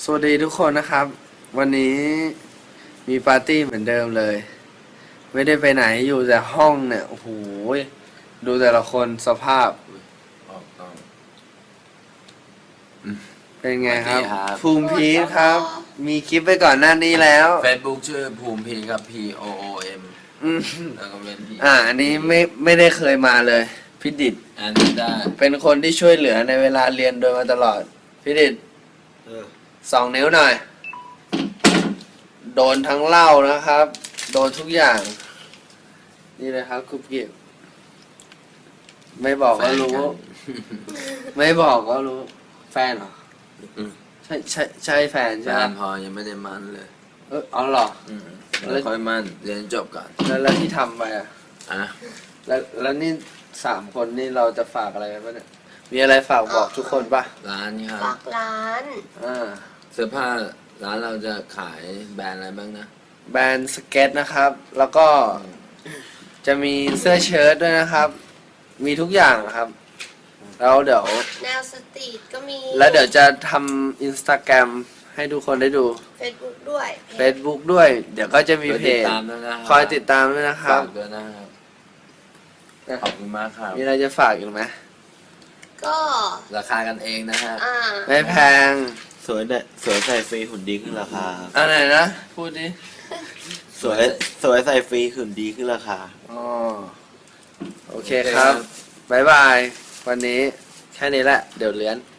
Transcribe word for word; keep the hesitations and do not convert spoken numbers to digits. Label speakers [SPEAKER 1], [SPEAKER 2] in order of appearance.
[SPEAKER 1] สวัสดีทุกคนนะครับ วันนี้มีปาร์ตี้เหมือนเดิมเลย ไม่ได้ไปไหนอยู่แต่ห้องเนี่ยโอ้โหดูแต่ละคนสภาพ
[SPEAKER 2] ออกต้อง
[SPEAKER 1] เป็นไงครับ
[SPEAKER 2] สวัสดีครับ
[SPEAKER 1] ภูมิพีทครับ มีคลิปไปก่อนหน้านี้แล้ว
[SPEAKER 2] เฟซบุ๊กชื่อภูมิพีครับ P O O M
[SPEAKER 1] อืม
[SPEAKER 2] แล้วก็เป็น P
[SPEAKER 1] อ่าอันนี้ไม่ไม่ได้เคยมาเลยพี่ดิด
[SPEAKER 2] อันนี้ได้
[SPEAKER 1] เป็นคนที่ช่วยเหลือในเวลาเรียนโดยมาตลอดพี่ดิด
[SPEAKER 2] เออ
[SPEAKER 1] สองนิ้วหน่อย โดนทั้งเหล้านะครับ โดนทุกอย่าง นี่เลยครับคุปกิบไม่บอกก็รู้ ไม่บอกก็รู้ แฟนเหรอ
[SPEAKER 2] อืม
[SPEAKER 1] ใช่ใช่ใช่แฟน
[SPEAKER 2] แฟ
[SPEAKER 1] ใช่ไหม
[SPEAKER 2] นพอยังไม่ได้มันเลย
[SPEAKER 1] เออเอาเหรอ
[SPEAKER 2] อืมแล้วค่อยมันเรียนจบก่อน
[SPEAKER 1] แล้วแล้วที่ทำไปอ่ะ
[SPEAKER 2] อ่ะ
[SPEAKER 1] แล้วแล้วนี่สามคนนี่เราจะฝากอะไรกันปะเนี่ย มีอะไรฝากบอกทุกคนปะ
[SPEAKER 2] ร้านนี้ค
[SPEAKER 3] ฝา
[SPEAKER 2] รับ
[SPEAKER 3] กร้าน
[SPEAKER 1] อ่า
[SPEAKER 2] เสื้อผ้าร้านเราจะขายแบรนด์อะไรบ้างนะ
[SPEAKER 1] แบรนด์สเก็ตนะครับ แล้วก็จะมีเสื้อเชิ้ตด้วยนะครับ มีทุกอย่างนะครับ แล้วเดี๋ยว
[SPEAKER 3] แนวสตรีทก็มี
[SPEAKER 1] แล้วเดี๋ยวจะทำอินสตาแกรมให้ทุกคนได้ดู
[SPEAKER 3] เฟซบุ๊กด้วย
[SPEAKER 1] Facebook ด้วย เดี๋ยวก็จะมี
[SPEAKER 2] คอย
[SPEAKER 1] เพ
[SPEAKER 2] ติด
[SPEAKER 1] จ
[SPEAKER 2] ตามด้วยนะ
[SPEAKER 1] คอยติดตามด้วยนะครับ
[SPEAKER 2] ฝากด้วยนะครับ ขอบคุณมากครับ
[SPEAKER 1] มีอะไรจะฝากอีกไหม
[SPEAKER 3] ก็
[SPEAKER 2] ราคากันเองนะฮะ
[SPEAKER 3] อ่า
[SPEAKER 1] ไม่แพง
[SPEAKER 4] สวยเนี่ยสวยใส่ฟรีหุ่นดีขึ้นราคาครับ
[SPEAKER 1] เอะไรนะ พูดดิ
[SPEAKER 4] สวยสวยใส่ฟรีหุ่นดีขึ้นราคา
[SPEAKER 1] อ๋อโอเคครับ บ๊ายบาย วันนี้แค่นี้แหละ เดี๋ยวเลี้ยน